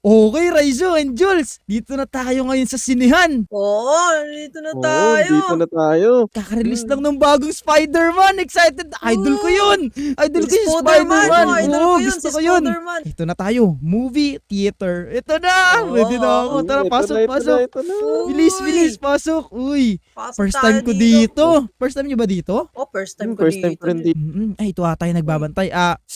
Okay, Raizo and Jules, dito na tayo ngayon sa sinehan. Oo, dito na Oo, tayo. dito na tayo. Kaka-release lang ng bagong Spider-Man. Excited. Idol ko yun. Idol ko Si yung Spider-Man, Spider-Man. idol Oo, ko yun, gusto si ko yun. Spider-Man. Ito na tayo. Movie theater. Ito na. Oo. Pwede na ako. Tara, Ito pasok, na, ito pasok. na, ito na. Bilis, Uy, bilis, pasok. Uy, pasok first tayo time ko dito. First time nyo ba dito? Oh, first time ko First time dito. ko rin dito. Ay, ito ata yung nagbabantay.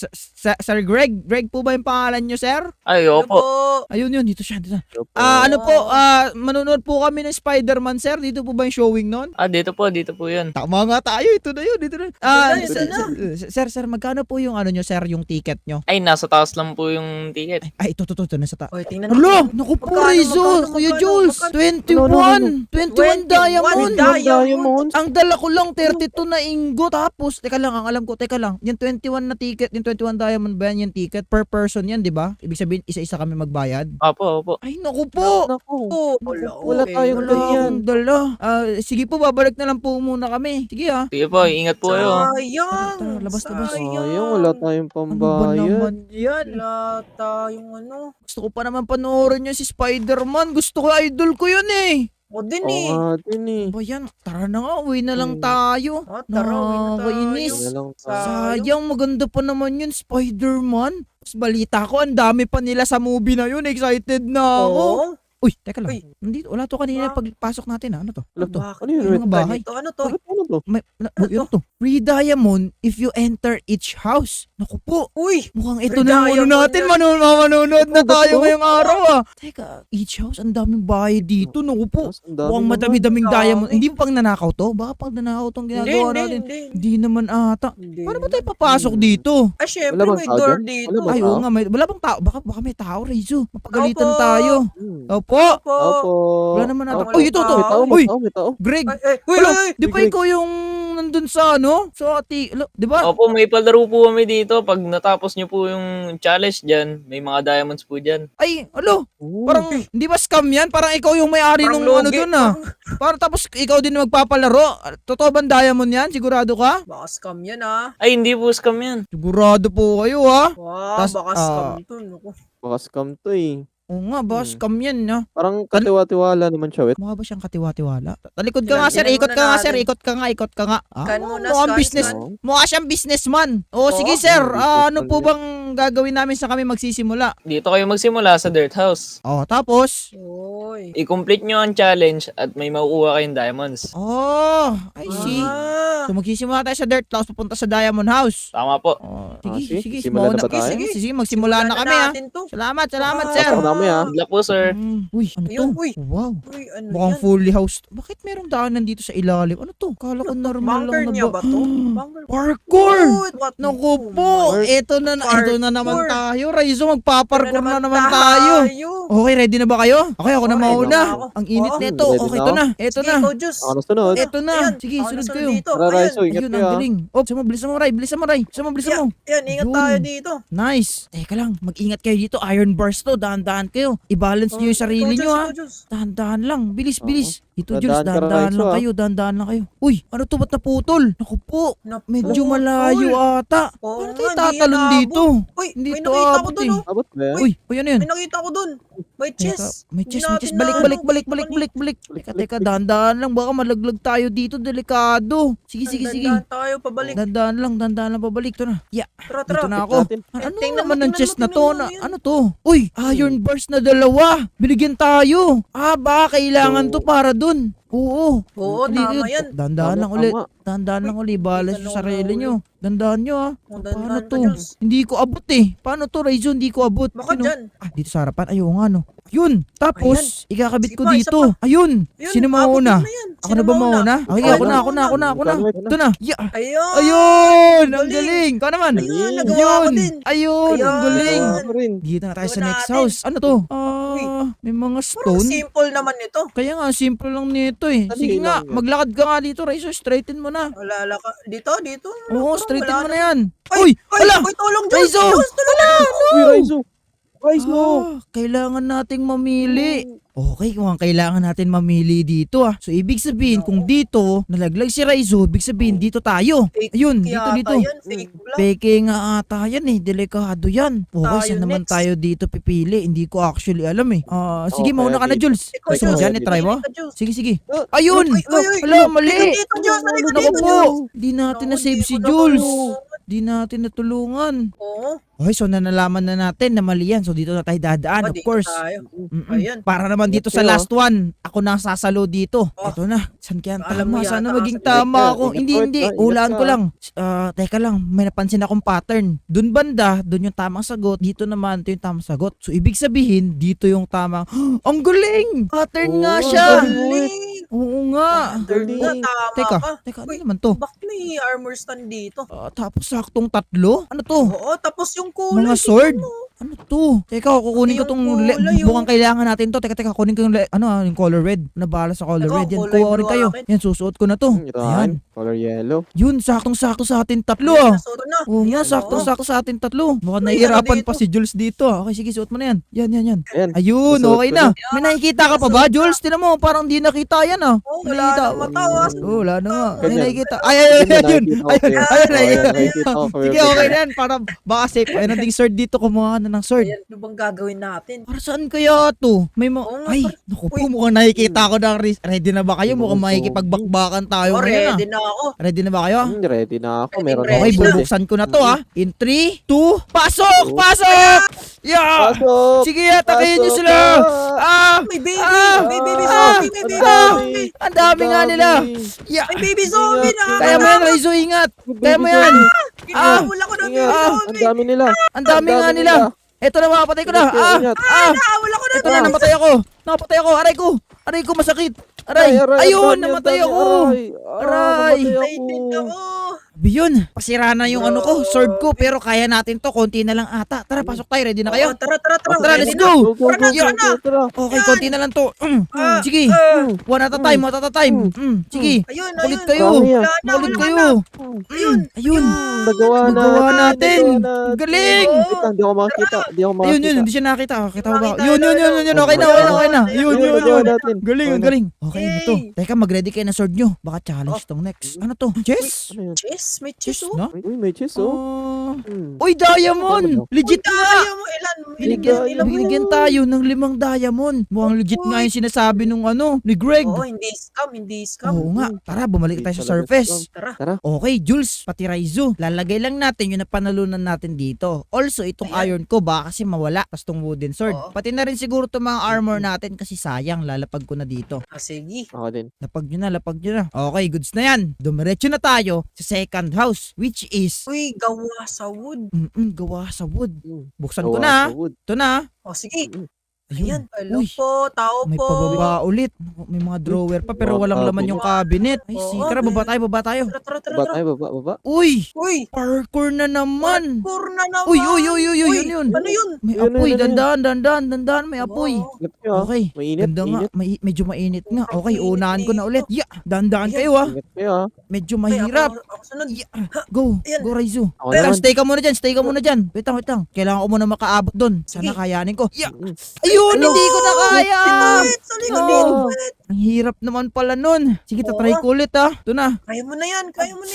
Sir Greg? Greg po ba yung pangalan nyo, sir? Ay, Ano opo. po? Ayun yun, dito siya. Dito. Opo. Ano po, manonood po kami ng Spider-Man, sir. Dito po ba yung showing nun? Dito po yun. Tama nga tayo. Ito na yun, dito na. Ito na. Sir, magkano po yung ano nyo, sir, yung ticket nyo? Ay, nasa taas lang po yung ticket. Ay, ito, nasa Oy, tingnan Alo, naku po, Magkano, Rizzo, magkano, Kuya magkano, Jules, magkano? 21 diamond. Diamond. Ang dala ko lang 32 na ingo. Tapos, teka lang, yung 21 na ticket, yung 21 diamond ba yan yung ticket? Per person yan, di ba? Ibig sabihin, isa-isa kami magbayad. Opo. Ay, naku po. Naku. Oh, Wala tayong Wala ganyan. akong dala. Sige po, babalik na lang po muna kami. Sige Sige po, ingat po kayo. Sayang. Tara, labas. Sayang, wala tayong Ano ba pambayad. naman yan? Wala tayong ano. Gusto ko pa naman panoorin yun si Spider-Man. Gusto ko, idol ko yun eh. O din Oo eh. nga din eh. Ba yan? Tara na nga, uwi na lang tayo. Tara, uwi na tayo. Nakakainis. Wala lang Sayang, maganda pa naman yun, Spider-Man. Tapos balita ko, ang dami pa nila sa movie na yun. Excited na ako. Oo. Uy, teka lang. Uy. Nandito, wala to kanina Ah. pagpasok natin. Ano to? Ano to? Bakit? Ano yun? Yung mga bahay. Ano to? Bakit ano to? Ano to? Free diamond if you enter each house. Naku po. Uy, Mukhang ito Free na yung ano diamond natin. yan. Manonood na Ito ba tayo to? ngayong araw Teka, each house, ang daming bahay dito. Naku po. Mas ang dami Mukhang naman. madami-daming Dami. diamond. Hindi mo pang nanakaw to? Baka pang nanakaw tong ginagawa natin. hindi. Hindi naman ata. Hindi Paano ba tayo naman. papasok dito? Ah, syempre Wala bang may tao door dyan? dito. Wala bang Ay, tao? oo nga. Wala bang tao? Baka may tao, Reizo. Mapagalitan Opo. tayo. Opo. Po. Opo. Wala naman ata. Wala Uy, ito. tao. May tao, Uy, may tao. Greg. Uy, Wala, uy. di ba Greg. ikaw yung nandun sa ano? Sa di ba? Opo, may palaro po kami dito. Pag natapos nyo po yung challenge dyan, may mga diamonds po dyan. Ay, alo. Oo. Parang, di ba scam yan? Parang ikaw yung may-ari Parang nung ano logi. dun Parang tapos ikaw din magpapalaro. Totoo ba diamond yan? Sigurado ka? Baka scam yan ah. Ay, hindi po scam yan. Sigurado po kayo Wow, Tas, baka scam to. Naku. Baka scam to eh. Oo nga ba, scam yan Parang katiwa-tiwala naman siya, wet. Mukha ba siyang katiwa-tiwala? Talikod ka nga, sir. Tingnan Ikot muna ka nga, natin. sir. Ikot ka nga. Scan muna, mukhang scan, business. scan. Mukha siyang businessman. O, Oo. sige, sir. Ano Businessman po yan. bang gagawin namin sa kami magsisimula? Dito kayo magsimula sa dirt house. Tapos? Uy. I-complete nyo ang challenge at may makukuha kayong diamonds. I see. Ah. So, magsisimula tayo sa dirt house, papunta sa Diamond House. Tama po. Sige, sige. sige. Simulan na ba tayo? Sige, magsimula na kami, natin to. Salamat, Ah. sir. Pasok namin, Good luck po, sir. Uy, ano to? Ayun, uy. Wow. Uy, ano Mukhang yan? fully housed. Bakit merong daanan dito sa ilalim? Ano to? Kala ko normal Bunker lang niya na ba to? Bunker. Parkour! Uy, what? Naku Oh po, my- ito na naman Parkour. tayo. Raizo, magpaparkour na naman tayo. Okay, ready na ba kayo? Okay, ako na Okay, mauna. ready na ako. Ang init Oo. nito. Ready Okay, na ito ako. na. Ito na. Sige, Diyos. Ako na sunod. Ito na. Ayan. Sige, Ako sunod nasunod kayo. dito. Tara, Ayan. Raizo, ingat Ayun, kayo. ang galing. Oh, bilisan mo, Ray. Bilisan mo. Yan, ingat Yun. tayo dito. Nice. Teka lang, mag-ingat kayo dito. Iron bars to. Dahan-dahan kayo. I-balance nyo yung sarili nyo, ha. Dahan-dahan lang. Bilis. Ito, Jules, Dahan-dahan ka, dahan-dahan lang Raizo, kayo. Dahan-dahan lang kayo. Uy, ano to? Ba't naputol? Naku po. Medyo Naputol. malayo ata. Oo Paano nga, tayo hindi tatalon yan dito? Uy, Hindi may to nakita ko abot dun, eh. oh. Abot ba yan? Uy, ano yun? May nakita ko dun. May chest. May chest. Hindi natin Balik. na- Balik. Teka, dahan-dahan lang. Baka malaglag tayo dito. Delikado. Sige. Dandan tayo, pabalik. Dahan-dahan lang pabalik. Ito na. Yeah, Tara, dito tara. na ako. natin. Ano tingnan naman mo, ng tingnan chest mo, na to? tingnan mo yan. Ano to? Uy, iron bars na dalawa. Binigyan tayo. Baka kailangan to para dun. Oo. Oo, tama yan. Dahan-dahan lang Tama, ulit. tama. Dahan-dahan lang ulit. Balance Hindi yung ka sarili lang nyo. Dahan-dahan nyo Oh, Paano dandan to? ka, Diyos. Hindi ko abot eh. Paano to, Raizo? Hindi ko abot. Baka Sino? dyan. Dito sa harapan. Ayaw nga no. Yun. Tapos, ikakabit Sige ko pa, isa dito. pa. Ayun. Yun, Sino mauna? abutin mo yan. Ako Sino na ba mauna? Okay, Ikaw ako na. na. Ito na. Yeah. Ayun. Ayun! Ang Galing. galing! Ikaw naman! Ayun, nagawa ko din. Ayun! Ang Ayun. galing! Ako rin. Dito na tayo sa Gawa next natin. house. Ano to? Uy. May mga Parang stone. simple naman ito. Kaya nga, simple lang nito eh. Dali Sige nga, lang yan. maglakad ka nga dito, Raizo. Straighten mo na. Wala ka. Dito. Oo, Parang straighten wala mo na na. yan. Ay, Uy! ay, Wala! Uy, tulong, Diyos. Raizo! Diyos, tulong. Uy, Raizo. Guys, no! Kailangan nating mamili. Okay, kung ang kailangan natin mamili dito So ibig sabihin, kung dito nalaglag si Raizo, ibig sabihin dito tayo. Fake Ayun, yata dito. Yan, fake vlog. Peke nga ata yan delikado yan. Okay, Tayo saan naman next. tayo dito pipili? Hindi ko actually alam sige, Okay, mauna ka na, dito. Jules. Ikaw, Gusto mo Jules. dyan, i-try mo? Ika, Jules. Sige, sige. Oh, Ayun! Uy, uy, uy. Wala, mali! Dito, Diyos. Halika Naku dito, po! Diyos. Di natin Naku, na-save di si ko Jules. natulungan. Di natin natulungan. Oo. Okay, so nanalaman na natin na mali yan. So dito na tayo dadaan, of Dito course. tayo. Mm-mm. Ayan. Para naman dito sa Ito, last one, ako na ang sasalo dito. Oh. Ito na. San kaya ang Alam mo tama? Sana yata maging kasi- tama Ingat ka, ako. ingat Hindi, ka, hindi. ingat Hulaan ka. ko lang. Teka lang. May napansin akong pattern. Doon banda, doon yung tamang sagot. Dito naman, ito yung tamang sagot. So, ibig sabihin, dito yung tamang, ang galing! Pattern nga Oo, siya! Galing. Oo nga. Galing nga, tama Teka, ka. teka, ano Uy, naman to? Bakit may armor stand dito? Tapos saktong 3? Ano to? Oo, tapos yung kulay. Mga tingnan sword? mo. Ano to? Teka, kukunin ko Yung tong kulay, mukhang kailangan natin to. Teka, kunin ko yung yung color red. Nabala sa color Ako, red. Yan, kulay kuha ko rin blue kayo. akin. Yan, susuot ko na to. Ito Ayan. color yellow. Yun, saktong-sakto sa atin 3 Ayan, nasuot ko na. Oo nga, Ayan, saktong-sakto sa atin 3. Mukhang Uy, nahihirapan ano pa dito? si Jules dito. Okay, sige, suot mo na yan. Yan. Ayan. Ayun, Susuot okay ko na. na. May nakikita ka pa ba, Jules? Tinan mo, parang di nakita yan Oo, wala Nakikita. nang matawa. Wala na nga. May Ganyan. nakikita. Ayun. Ayun, Nakikita. nakikita ko. Sige, okay na yan. Para baka safe. Ayun, nanding sword dito. Kumuha ka na ng sword. Ayan, ano bang gagawin natin? Para saan kaya to? May Oo nga, Ay, par- naku po, Uy. mukhang nakikita ko na ready na ba kayo? Mukhang Oo. makikipagbakbakan tayo ngayon Ready na ako. Ready na ba kayo? Ready na ako. Meron Ready Okay, na. bubuksan ko na to In 3, 2, pasok! Pasok! Yeah! Pasok! Sige, atakin nyo Pasok sila! ka! Ah! May baby! Ah! May baby Ah! zombie! May baby Ah! zombie! Ang dami nga nila! Yeah! May baby zombie na! Kaya mo yan, Raizo, ingat! Kaya mo yan! Kinahabol ako ng baby Ingat. Ang zombie! dami nila. Ang dami nga nila! Eto na, mapatay ko na! Ingat kayo, ingat. Kinahabol ako ng Ito na, namatay ako! Napatay ako! Aray ko! Aray ko, masakit! Aray! Ayun, namatay ako! Aray! Ay, din ako! Yun, pasira na yung sword ko, pero kaya natin to, konti na lang ata. Tara, pasok tayo, ready na kayo? Oo, tara! Tara, let's Ready na. go! Go, go, Yeah. go, tara. Okay, konti na lang to. Sige, one at a time, one at a time. Sige, Ayun, kulit ayun! kayo. Dami yan. Wala na, Makulit wala kayo. na. Ayun! Ayun, Nagawa nagawa natin. Nagawa Galing! Wait lang, di ako makakita. Di ako makakita. Ayun, hindi siya nakita. Kita mo ba? Nakita, Yun, okay na, okay na. Yun. nagawa natin. Galing, Okay ang na. galing. Okay, Yay. ito. Teka, mag-ready kayo ng sword nyo. Baka challenge tong next. Ano to? Chess? Ano yun? Chess? May Chess, chess, oh! no? Uy, may chest, oh. Uy, diamond! Legit nga! Kaya mo ilan? Binigyan nila mo. Binigyan tayo ng 5 diamond. Mukhang legit nga yung sinasabi nung ni Greg. Oo, hindi scam, hindi scam. Oo nga. Tara, bumalik tayo sa Hindi talaga surface. Tara. Tara. Okay, Jules, pati Raizo. Lalagay lang natin yung napanalunan natin dito. Also, itong iron ko, baka kasi mawala. Tapos itong wooden sword. Oo. Pati na rin siguro itong mga armor natin kasi sayang, lalapag ko na dito. Sige. Ako din. Lapag nyo na. Okay, goods na yan. Dumiretso na tayo sa second house, which is, Uy, gawa sa wood. gawa sa wood. Mm. Buksan ko Gawa na. sa wood. Ito na. O, sige. Mm. Ayan. Hello Uy, po, tao may po. pababa ulit. May mga drawer pa pero Mga walang laman yung cabinet. Ay, Oo, sige, tara, baba tayo. Tara. Baba tayo, baba. Uy, Uy, parkour na naman. parkour na naman. Uy, yun. Ano yun? May Yun, apoy, yun, yun. dandan, may apoy. Oo. Ingat kayo, ah. Okay. Mainit, Ganda nga, mainit. medyo mainit nga. Okay, Mainit unahan ko na dito. ulit. Yeah, dandan Ayan. kayo Ingat kayo, ah. Medyo Ay, mahirap. Ako sunod. Yeah. Go, Ayan. go Raizo. Ako Wait lang, naman. stay ka muna dyan. Wait lang. Kailangan ko muna makaabot doon. Sana Sige. kayanin ko. Yeah. Mm. Ayun, Ano? hindi ko na kaya. Wait, sa likod No. dito. Wait. Ang hirap naman pala nun. Sige, tatry Oo. ko ulit Ito na. Kaya mo na yan.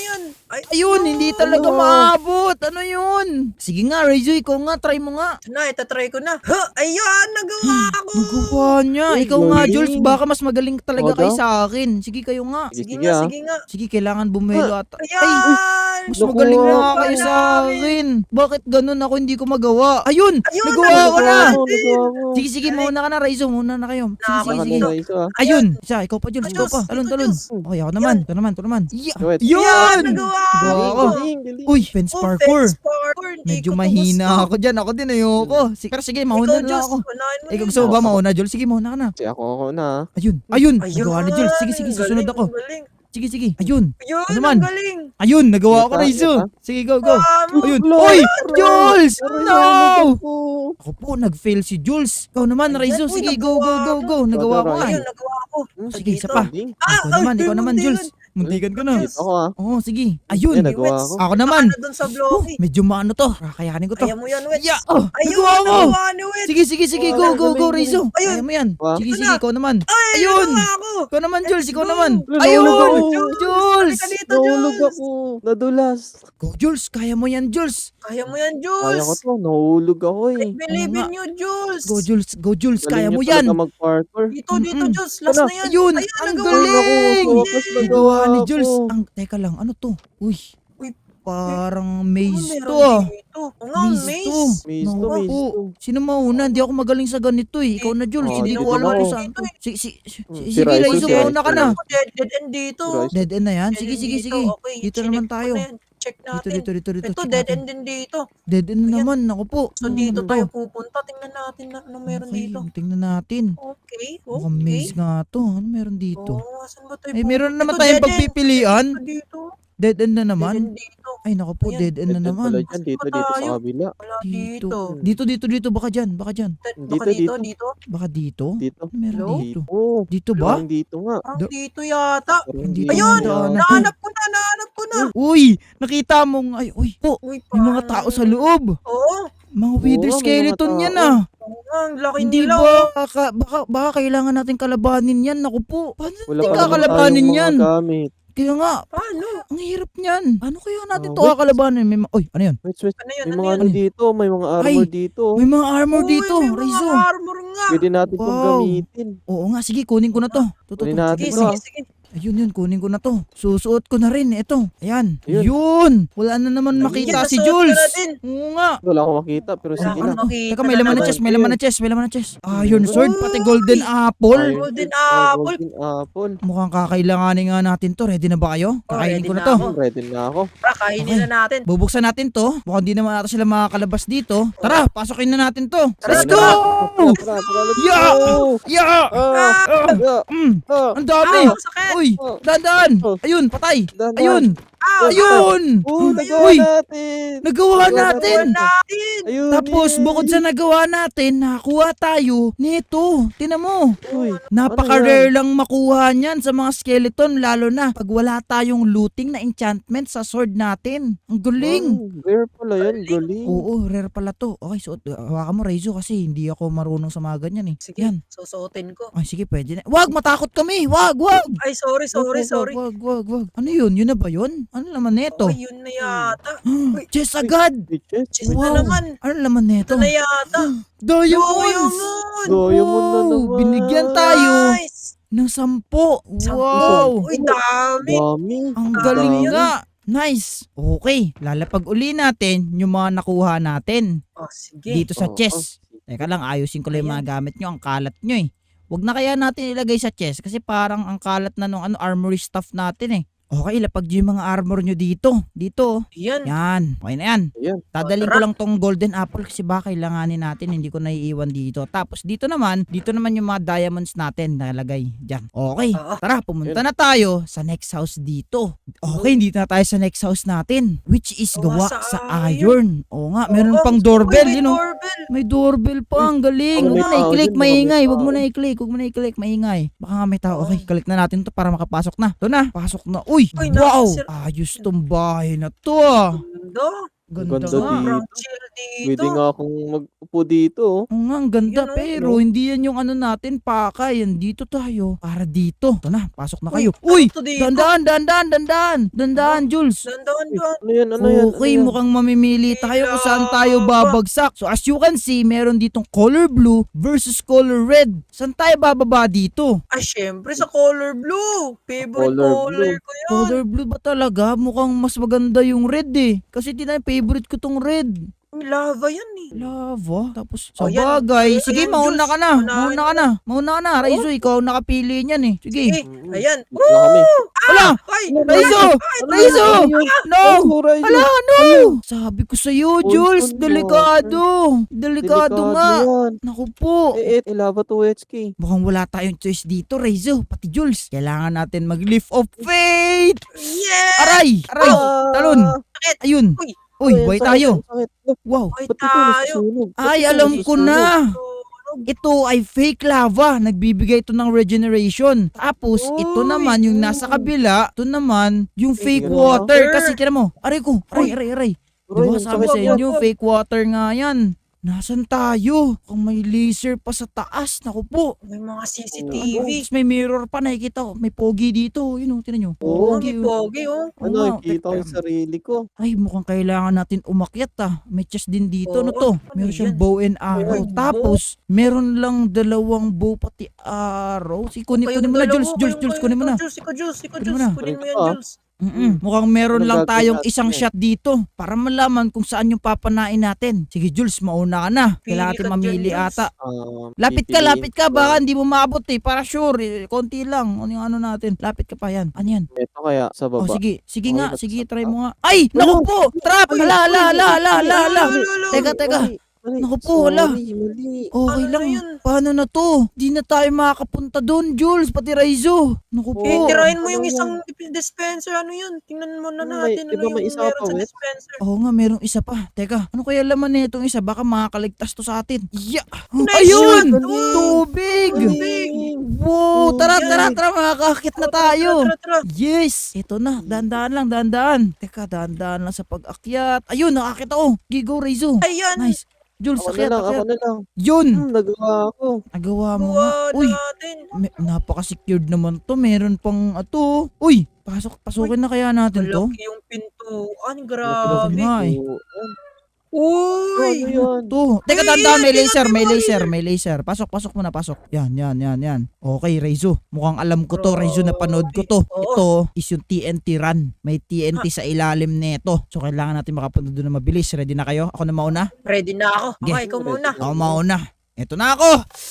Ay, Ayun, hindi talaga Ano? maabot. Ano yun? Sige nga, Raizo, ikaw nga, try mo nga. ito na, itatry ko na. Ha! Ayan, nagawa ako. Nagawa niya. Uy, Ikaw nga, galing. Jules, baka mas magaling talaga Oo kayo daw. sa akin. Sige, kayo nga. Sige Sige, nga, ah. sige nga. Sige, kailangan bumelo at... Ayan! Ay, mas Naku, magaling na wala kayo na. sa akin. Bakit ganun ako hindi ko magawa? Ayun, Ayun, nagawa ko na. Nagawa ko. Sige, mauna ka na, Raizo. Mauna na kayo. Sige, Nakaka- sige, Saka sige. na isa, ah. Ayun, isa, ikaw pa, Jules. Ay, Ikaw pa. Diyos, Talon. Diyos. Okay, ako naman. Ito naman. Yeah. Wait. Yun! Nagawa Gawa ko. Galing. Uy, fence Oh, parkour. fence parkour. Hindi Medyo ko to mahina gusto. ako dyan. Ako din, ayoko. Sige, mauna Ikaw, na Diyos, ako. unahin mo Ikaw yun. gusto mo ba mauna, Jules? Sige, mauna ka na. Kasi ako na. Ayun, Ayun, nagawa ni Jules. Sige, susunod galing, ako. galing. Sige. Ayun, Ayun, Ano man? ang galing. ayun, nagawa ko, Yata, Raizo. yata. Sige, go. Vamos. Ayun. Wala. Uy, Aray, Jules! aray, No! ako. Ako po, nag-fail si Jules. Ikaw naman, Ayan, Raizo. uy, Sige, go. nagawa Nagawa ko nga. Ayun, nagawa ko. Sige, isa Dito. pa. Galing. Ikaw naman, Jules. Muntikan ko na. Dito ako ah. Oo, sige. Ayun. Yan, nagawa ko. Ako naman. Ano dun sa bloke? Medyo maano to. Kakayanin ko to. Kaya mo yan, Wets. Yeah. Oh, Ayun, nagawa mo. nagawa ni Wets. Sige, sige, sige. Go, go, go, Rizzo. Ayun. Kaya mo yan. Wow. Sige, Ito sige. na. Ikaw naman. Ay, Ayun. nagawa ako. Ikaw naman, Jules. Let's Ikaw go. naman. Nahulog Ayun. ako. Jules. Halika dito, Nahulog Jules. ako. Nadulas. Go, Jules. Kaya mo yan, Jules. Kaya mo yan, Kaya ko Jules. to. Nahulog ako I eh. believe Oo in you, Jules. Go, Jules. Go, Jules. Kaya Galing mo niyo yan. talaga mag-parkour. Dito, dito, Mm-mm. Jules. Last Ano? na yan. Ayun. Ayan, Ang nagawa galing. ko. Focus na Nagawa ni ako. Jules. Teka lang. Ano to? Uy. Uy. Parang Ano maze meron to ah. dito? Oo nga, Maze maze. to. Maze to, Naku maze po. to. Sino mauna? Hindi ako magaling sa ganito eh. Ikaw na, Jules. Oh, Hindi dito ko alam na kung ako. saan to. Si Sige, Rizzo, Rizzo, si mauna ka Rizzo. na. Dead end dito. Rizzo. Dead end na yan? Dead Sige, end sige, dito. sige. Okay, Dito chinek naman ko tayo. na yan. Check Dito, natin. dito, dito, dito. Ito, check dead natin. end din dito. Dead end na Ayan. naman. Ako po. So, dito Ano tayo to? pupunta. Tingnan natin na ano meron Okay, dito. tingnan natin. Okay, Mukhang okay. maze nga to. Ano meron dito? Oo, asan ba tayo Eh, meron na naman Ito, tayong dead end. pagpipilian. Ito dito. Dead end na Dead naman. end dito. Ay, naku po. Ayan. Dead end na Dead end naman. pala dyan. Dito, Saan ba dito sa tayo? kabila. Wala Dito. dito. Dito. Baka dyan. Baka dyan. Baka Dito, dito, dito. dito. Baka dito. Dito. Ano meron Hello? dito? Oh, Dito ba? parang dito nga. Parang Da- dito yata. Parang Dito dito Ayun! nga. nga. Nahanap ko na, nahanap ko na. Uy! Nakita mong... Ay, uy. Po. Uy, May mga tao sa loob. Oo. Mga wither Oo, may mga skeleton tao. yan ah. Oo nga, ang laki Hindi nila. ba? Baka kailangan natin kalabanin yan. Naku po. Paano Wala natin pa naman kakalabanin tayong yan? mga gamit. Kaya nga, Paano? ang hirap niyan. Paano kaya natin to wait. kakalabanin? Uy, ano yun? Wait. Ano yun? May Ano mga yun? ano dito. May mga armor dito. May mga armor Uy, dito, may mga Rizzo. armor nga. Pwede natin itong Wow. gamitin. Oo nga, sige, kunin ko na to. Kunin natin Sige, ito, sige, ah. sige. Ayun yun, kunin ko na to. Susuot ko na rin, ito. Ayan. Ayun. Yun. Wala na naman makita Yan, si nasuot Jules. ko na din. Oo nga. Wala akong makita, pero Wala sige akong na. makita Teka, may na laman na naman. chest, may laman na chest, may laman na chest. Iron sword, Uy! pati golden apple. Iron Golden Sword, apple. Golden apple. Mukhang kakailanganin nga natin to. Ready na ba kayo? Kakainin ready ko na na to. ako. Ready na ako. Kainin Okay. na natin. Bubuksan natin to. Mukhang di naman natin sila makakalabas dito. Tara, pasukin na natin to. Let's Tara, go! Tara, let's Yeah! go! Yeah! Ah! Yeah! Ah! Ang dami! Ang sakit. Uy! Dandan! Ayun, patay! Dandan. Ayun! Ow! Ayun! Oh, nagawa Uy! natin! Nagawa natin! natin. Ayun, Tapos, yay! bukod sa nagawa natin, nakakuha tayo nito. Tinan mo. Uy, Napaka-rare lang makuha niyan sa mga skeleton, lalo na pag wala tayong looting na enchantment sa sword natin. Ang galing. wow, rare pala yan, galing. Oo, rare pala to. Okay, so hawakan mo, Reizo, kasi hindi ako marunong sa mga ganyan eh. Sige, Yan. susuotin ko. Ay, sige, pwede na. Wag, matakot kami. Wag. Ay, sorry. Wag. Ano yun? Yun na ba yun? Ano naman neto? Okay, yun na yata. Chest agad. Bitches. Chest Wow. na naman. Ano naman neto? Ito na yata. Diamonds. Diamond. Diamond na naman. Binigyan tayo Nice. ng 10. Sampu. Wow. Uy, dami. Dami. Ang Dami galing yun. nga. Nice. Okay. Lalapag uli natin yung mga nakuha natin Oh, sige. dito sa Oo. chest. Teka lang, ayusin ko lang yung mga gamit nyo. Ang kalat nyo eh. Huwag na kaya natin ilagay sa chest kasi parang ang kalat na nung armory stuff natin eh. Okay, lapag nyo yung mga armor nyo dito. Dito. Yan. Yan. Okay na yan. Ayan. Dadalhin Tara. ko lang tong golden apple kasi baka kailanganin natin, hindi ko naiiwan dito. Tapos dito naman yung mga diamonds natin nalagay dyan. Okay, Oo. tara, pumunta na tayo sa next house dito. Okay, dito na tayo sa next house natin, which is gawa Gawa sa sa iron. Oo nga, meron Oo. pang doorbell, Uy, may you know. doorbell. May doorbell pa, ang galing. Huwag Baka mo may na tao i-click, dyan, baka may maingay. Huwag mo tao. na i-click, maingay. Baka nga may tao. Okay, Okay. click na natin to para makapasok na. Ito na, pasok na. Uy, Uy, wow! nakasir- Ayos tong bahay na to ah. Ganda. Ganda Ganda nga. dito. Sobrang chill dito. Pwede nga akong mag-upo dito. Oo nga, ang ganda. Yun, oh. Pero hindi yan yung ano natin, pakay. Yan dito tayo. Para dito. Ito na, pasok na kayo. Uy, Uy! ano to dito? Dandaan, Jules. Dandan. Ano yan? Ano yan? Okay, mukhang mamimili tayo kung saan tayo Kailangan. babagsak. So as you can see, meron ditong color blue versus color red. Saan tayo bababa dito? Ay, syempre sa color blue. Favorite Color color blue. ko yun. Color blue ba talaga? Mukhang mas maganda yung red eh. Kasi favorite ko tong red. Lava yan eh. Lava. Tapos, sa Oh, yan. bagay. Ayan, Sige, Diyos. mauna ka na. Unahin Mauna ka na. Raizo, ikaw ang nakapili niyan eh. Sige. Eh, ayan. Wala kami. Wala! Ay, Raizo! Raizo! No! Oh, Raizo. Ala, no! Sabi ko sa'yo, Jules, ano? delikado. Delikado nga. yan. Naku po. Lava to HK. Mukhang wala tayong choice dito, Raizo. Pati Jules. Kailangan natin mag-leap of faith. yeah! Aray! Aray! Talon! Sakit. Ayun. Uy. Uy, buhay tayo. Sakit. Wow. Ay, Ba't ito tayo. nasusunog? Ba't Ay, ito alam ko nasusunog? na. Ito ay fake lava. Nagbibigay ito ng regeneration. Tapos, ito Uy, naman yung nasa kabila. Ito naman yung fake Fake water. water. Kasi tira mo, aray ko, aray. Aray, Diba ang sabi sakit sa yan. inyo, fake water nga yan. Nasaan tayo? Kung may laser pa sa taas, naku po. May mga Ano? CCTV. Tapos may mirror pa, nakikita ko. May pogi dito. Yun o, tinan nyo. Oo. Pogi, pogi, oh. Oo Ano, nga, nakikita ko teka. yung sarili ko. Ay, mukhang kailangan natin umakyat May chest din dito. Ano Oo, to? ano Meron siyang yan? bow and arrow. Ay, Tapos, meron lang 2 bow pati arrow. Kunin Kayong mo na, dalawa, Jules, kunin mo na. Ikaw, Jules. Kunin mo na. Kunin mo yan, Ah. Jules. Mukhang meron Anong lang gagawin tayong natin isang eh? shot dito para malaman kung saan yung papanain natin. Sige, Jules, mauna ka na. Pili Kailangan ka natin dyan, mamili Jules. ata. Lapit Pipiliin ka. ko. Baka hindi mo maabot Para sure, konti lang. Ano yung ano natin? Lapit ka pa yan. Ano yan? Ito kaya sa Oh, baba. sige. Sige Okay, nga. nasa Sige, baba. try mo nga. Ay! Naku po! Trap! Uy, Ala! Lolo. Teka. Mali, Naku po, wala. Mali. Okay Ano lang. na yun? Paano na to? Di na tayo makakapunta doon, Jules. Pati Raizo. Naku po. Oo. Tirahin mo yung Ano isang dispenser. Ano yun? Tingnan mo na May- natin. di ba Ano may yung isa meron pa, sa Wet? dispenser? Oo nga, merong isa pa. Teka, ano kaya laman na itong isa? Baka makakaligtas to sa atin. Yeah! Nice Ayun! shot! Tubig! Tubig! Wow! Tara, Yan. makakakit na tayo. Tara. Yes! Ito na, dahan-dahan. Teka, dahan-dahan lang sa pag-akyat. Ayun, nakakita ko. Gigo, Reizo. Ayan. Nice. Jules, Ako na akyat. lang. Yun! Nagawa ko. Nagawa mo nga. Buwa Uy, natin. napaka-secured naman to. Meron pang ato. Uy, pasukin na kaya natin to? Malaki yung pintuan. Grabe Grabe. nga eh. Uy! Ano yan? To. Teka, Uy, tanda, may tingnan laser, mo, may laser. Pasok muna. Yan. Okay, Reizo. Mukhang alam ko to, Reizo, napanood ko to. Oo. Ito is yung TNT run. May TNT sa ilalim nito. So, kailangan natin makapunta doon na mabilis. Ready na kayo? Ako na mauna? Ready na ako. Okay. Okay, ikaw muna. Ako mauna. Ito na ako!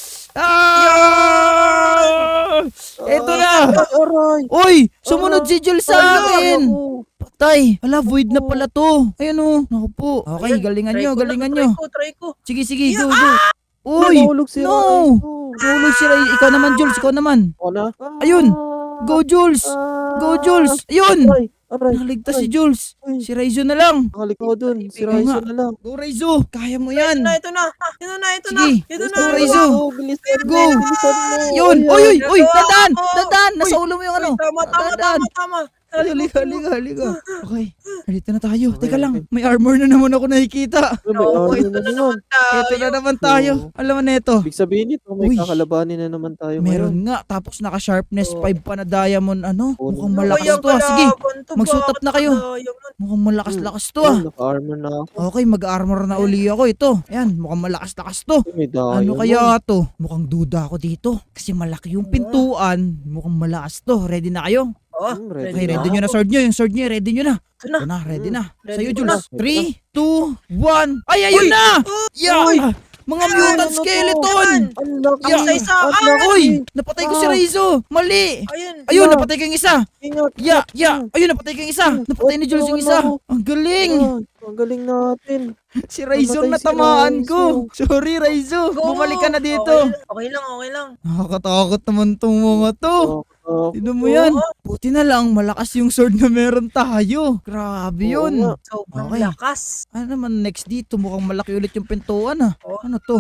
Ah! Ito na! Aray! Uy! Sumunod si Jules sa akin! Ako. Patay! Ala, void na pala to. Ayan o. Naku po. Okay, Ayan, galingan try nyo, ko galingan na, nyo. Try ko. Sige, go. Uy! Nahulog si no! Raizo. Tulog si Ray. Ikaw naman, Jules. Ikaw naman. Ako na? Ayun. Go, Jules. Go, Jules. Ayun. Aray! Nakaligtas si Jules. Ay. Si Raizo na lang. Nakalik ako dun. Si Oo Raizo nga. na lang. Go, Raizo. Kaya mo yan. Ito na. Sige. Ito na. Go, Raizo. Bilisan Go. mo. Bilisan mo. Yun. Ayan. Uy. Dadaan. Ako. Dadaan. Nasa ulo mo yung ano. Dadaan. Tama. Halika. Okay. Halika na tayo. Teka lang. May armor na naman ako nakikita. May Oo, armor na naman. Ito na naman tayo. Alam mo na ito. Ibig sabihin nito, may Uy. kakalabanin na naman tayo ngayon. Meron nga. Tapos naka-sharpness Oo. 5 pa na diamond. Oo. Mukhang malakas to. Sige. Mag-suit up na kayo. Mukhang malakas-lakas to. Ayun, naka-armor na ako. Okay, mag-armor na uli ako. Ito. Ayan, mukhang malakas-lakas to. May diamond. Ano kaya to? Mukhang duda ako dito. Kasi malaki yung pintuan. Mukhang malakas to. Ready na kayo? Ready Okay, na ready nyo na sword nyo. Yung sword nyo, ready nyo na. Ito na. Ito na, ready na. Ready Sa'yo, ko Jules. na. 3, 2, 1. Ay, ayun na! Yeah! Mga mutant Ano to? skeleton! Ang laki. Yeah. Isa-isa. Ang laki. Uy! Napatay ko si Raizo! Mali! Ayun. Ayun, napatay ko yung isa! Ingat. Yeah! Ayun, napatay ko yung isa! Napatay ni Jules yung isa! Ang galing! Ang galing natin. Si Raizo Namatay si natamaan Raizo. ko! Sorry, Raizo! Go. Bumalik ka na dito! Okay lang. Nakakatakot naman tong mga to! Tignan mo Oo. yan! Buti na lang, malakas yung sword na meron tayo! Grabe Oo yun! nga. Sobrang Okay. lakas. Ano naman next dito? Mukhang malaki ulit yung pintuan Oh. Ano to?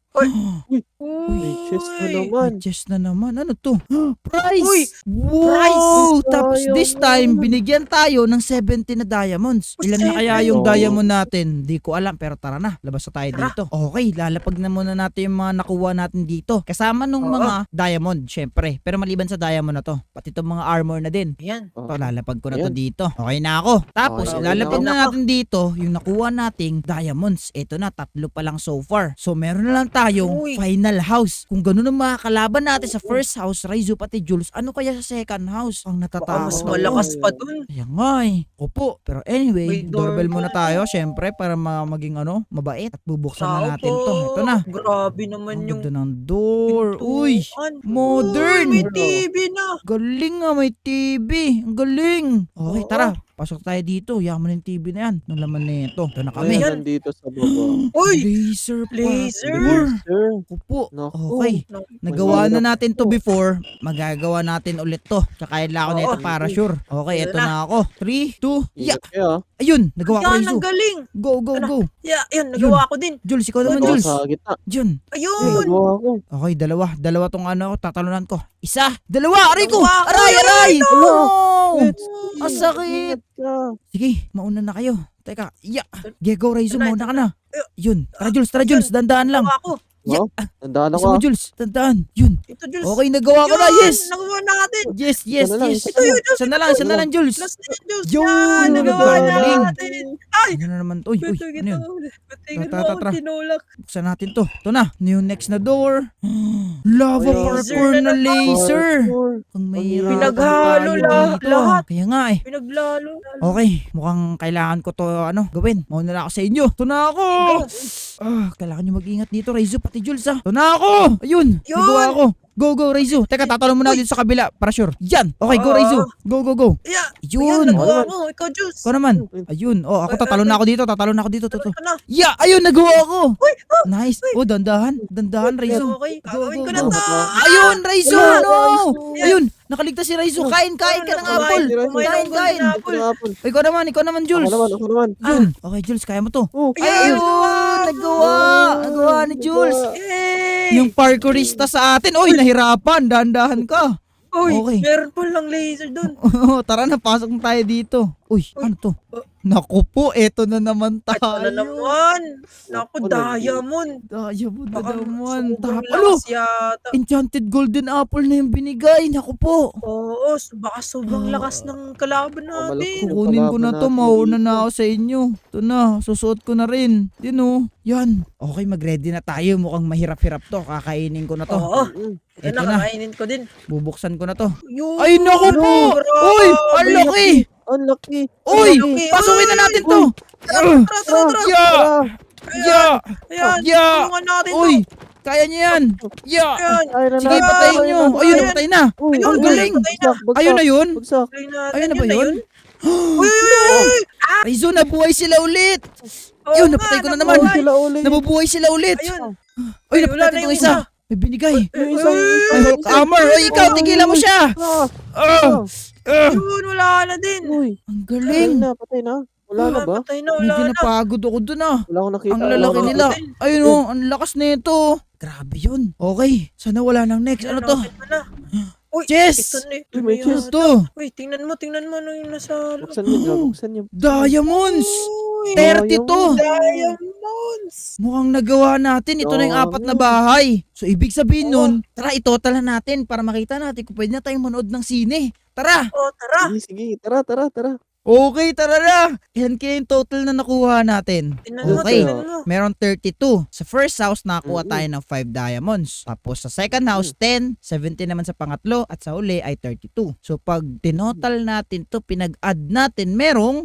May chest na Uy. naman. May chest na naman. Ano to? Price! Uy! Wow! Price! Tapos Sayang this time, binigyan tayo ng 70 na diamonds. Oh, Ilan na kaya 70? yung Oo. diamond natin? Di ko alam, pero tara na. Labas na tayo Tara. dito. Okay, lalapag na muna natin yung mga nakuha natin dito. Kasama nung Oo. mga diamond, syempre. Pero maliban sa diamond na to, pati itong mga armor na din. Ayan. Ito, lalapag ko na to Ayan. dito. Okay na ako. Tapos, Okay, ilalapag okay na na natin dito yung nakuha nating diamonds. Ito na, 3 pa lang so far. So, meron na lang tayong Uy. final house. Kung ganun ang mga kalaban natin sa first house, Raizo pati Jules, ano kaya sa second house? Ang Baka natatakot. mas Tama. malakas pa dun. Kaya nga eh. Opo. Pero anyway, May doorbell doorbell. muna tayo, syempre, para maging mabait. At bubuksan na Tao natin po. to. Ito na. Grabe naman Ang yung ganda ng door. Uy! pintuan. Modern! Uy, may TV na. Galing nga, may TV. Ang galing. Okay, Oo. tara. Pasok tayo dito. Yaman yung TV na yan. Nung laman na ito. Ito na kami. Ayan, nandito sa baba. Uy! Laser pa. Laser! Sir. Ako po. Naku. Okay. Nagawa na Mahirap natin to to. before. Magagawa natin ulit to. Tsaka lang ako nito Oo. para sure. Okay, Yun ito na. na ako. 3, 2, yeah. Ingat kayo. Ayun, nagawa ko Yan, Raizo. ang galing. Go, go, Ano? go. Yeah, yun, nagawa ko din. Jules, ikaw naman, Ito Jules. sa gitna. Jun. Ayun! Nagawa ko. Okay, dalawa. Dalawa tong ano, tatalunan ko. Isa, dalawa, aray ko. Dalawa. Aray, Uy, aray. Wala. Oh! Let's Ang sakit. Ingat ka. Sige, mauna na kayo. Teka, yeah. Go, Raizo, Ito na, mauna ito ka na. Yun. Tara, Jules, dandaan lang. Nagawa ko. Yeah. Wow. Tandaan Isa ako. mo, Jules, dandaan. Yun. Ito, Jules. Okay, nagawa ko na, Yun, yes. Nagawa natin. Yes, yes, Isa na lang, yes. isa na lang. Isa na lang, Jules. Last na yun, Jules. Yun, Yan, nagawa galing. natin. Ay! Ano na naman to? Uy, Beto, ano yun? Tingnan mo Tara, ako tara. tinulak. Buksan natin to. Ito na, yung next na door. Lava Laser parkour na na naman. laser. Parkour. Ang mahirap Pinaghalo lahat. Kaya nga eh. Pinaglalo. Okay, mukhang kailangan ko to gawin. Mauna na ako sa inyo. Ito na ako. Kailangan nyo mag-ingat dito, Raizo, pati Jules Ito na ako. Ayun, Yun. nagawa ako. Go, go, Raizo. Teka, tatalon muna dito sa kabila para sure. Yan. Okay, go, Ah. Raizo. Go, go, go. Yeah. Yun. Nagawa ko. Ikaw, Jules. Ikaw naman. Ayun. Oh, ako tatalon na ako dito. Tatalon na ako dito. Toto. Ito na. Yeah, ayun, nagawa ako. Uy, Nice. Oh, dandahan. Dandahan, Raizo. Okay, Go, gagawin go, ko na go. to. Ayun, Raizo. Wala, No. Raizo. Ayun, nakaligtas si Raizo. Kain ka ng apple. Kumain Kain, ng kain. golden apple. Ikaw naman, Jules. Ako naman. Yun. Okay, Jules, kaya mo to. Oh, Ayun, Ayun. nagawa ni Jules. Yay! Yung parkourista sa atin. Oy, nahirapan. Dahan-dahan ka. Uy, Okay. meron pa lang laser doon. Tara na, pasok na tayo dito. Uy, ano to? Naku po, eto na naman tayo. Ito na naman. Naku, Ano diamond. Diamond na Baka naman. sobrang Ano? lakas yata. Enchanted golden apple na yung binigay. Naku po. Oo, baka sobrang lakas ng kalaban natin. Yung Kukunin ko na to, kalaban natin mauna dito. na ako sa inyo. Ito na, susuot ko na rin. Yan o. Yan. Okay, mag-ready na tayo. Mukhang mahirap-hirap to. Kakainin ko na to. Oo, Ito ito na. na, kakainin ko din. Bubuksan ko na to. Yun, Ay, naku po! grabe. Uy, ang laki! Ang laki. Uy, Ang laki. pasukin na natin to! Tara, tara. Yeah! Yeah! Ayan, Yeah! tulungan natin Uy, to. kaya niyo yan! Yeah! Ayan. Ay, Sige, patayin nyo! Ayun, napatay na! Uy, Ang galing! Ayun na yun! Bagsak. Try natin, Ayun na ba yun? Uy, uy, uy! Raizo, nabuhay sila ulit! Oo Yun, nga, napatay ko na naman. nabuhay. Sila ulit. Nabubuhay sila ulit! Ayun. Ay, Ay, wala napatay na itong yung isa! isa. May binigay! Yung isang Ay, Hulk Hammer! Ay, ikaw, tigilan mo siya! Ah, Ah! Ah! Yun, wala na din. Uy, Ang patay galing! na, patay na. Wala na ba? Patay na, wala Medyo na. napagod ako dun ah. Wala akong nakita. Ang Wala lalaki akong nila. nakita. Ayun oh, ang lakas nito. Grabe yun. Okay, sana wala nang next. Ano to? Ito na. Uy, Chess! ito na. Uy, may chess. Ito, Uy, tingnan mo ano yung nasa... Buksan niyo, Jog. Buksan niyo. diamonds! Uy, 30 to! diamonds! Mukhang nagawa natin. Ito na yung apat na bahay. So, ibig sabihin nun, tara, itotal na natin para makita natin kung pwede na tayong manood ng sine. Tara! Oh, tara. Sige, sige. Tara, tara, tara. Okay, tara na! Yan kaya yung total na nakuha natin. Tingnan mo, Okay. tingnan mo. Meron 32. Sa first house, nakakuha Mm-mm. tayo ng 5 diamonds. Tapos sa second house, 10. 17 naman sa pangatlo. At sa uli ay 32. So pag tinotal natin to, pinag-add natin, merong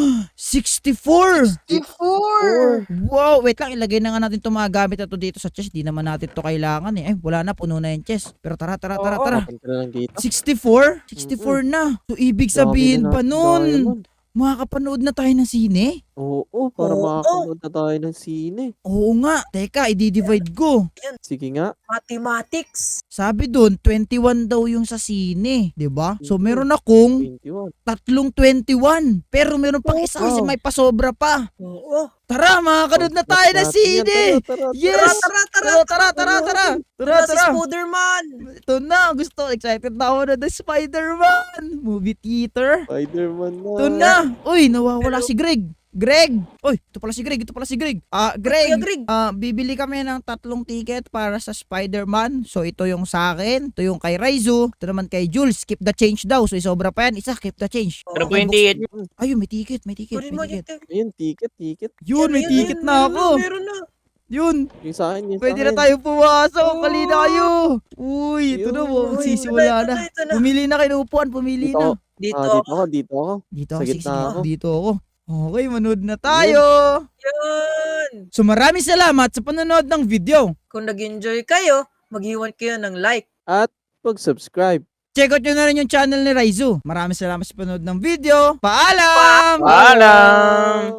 64! 64! Wow! Wait lang, ilagay na nga natin itong mga gamit na to dito sa chest. Di naman natin to kailangan eh. Ay, wala na, puno na yung chest. Pero tara. Oo. Papunta na lang dito. 64? 64 na. So ibig sabihin Dami na pa natin nun, diamond. makakapanood na tayo ng sine? Oo, para Oo. makakanood na tayo ng sine. Oo nga. Teka, i-divide ko. Sige nga. Mathematics. Sabi doon, 21 daw yung sa sine, 'di ba? So Mhm. meron akong 21. tatlong 21. Pero meron pang isa kasi Wow. may pasobra pa. Oo. Tara, makakanood na tayo ng Natin yan. sine. Tara, tara, Yes! Tara. Tara. Tara, si Spider-Man. Ito na, gusto. Excited na ako na the Spider-Man. Movie theater. Spider-Man na. Ito na. Uy, nawawala si Greg. Greg! Uy, ito pala si Greg. Greg, Kuya Greg. bibili kami ng 3 ticket para sa Spider-Man. So, ito yung sa akin. Ito yung kay Raizo. Ito naman kay Jules. Keep the change daw. So, isobra pa yan. Isa, keep the change. Pero Oo. po yung ticket. Ayun, may ticket. Kunin mo May ticket. dito. Ayun, ticket. Yun, may ticket na ako. Meron na. Yun. Yung sa akin, yung Pwede sa na akin. tayo pumasok. Oo. Pali na kayo. Uy, ito na Yun. mo. Uy, Sisimula ito na. na. Pumili na kayo ng upuan. Pumili Dito na. ako. Dito. Dito ako. Dito Sa ako. gitna Sige, ako. dito ako. Okay, manood na tayo. Yan. So maraming salamat sa panonood ng video. Kung nag-enjoy kayo, mag-iwan kayo ng like. At pag-subscribe. check out nyo na rin yung channel ni Raizu. Maraming salamat sa panood ng video. Paalam! Paalam!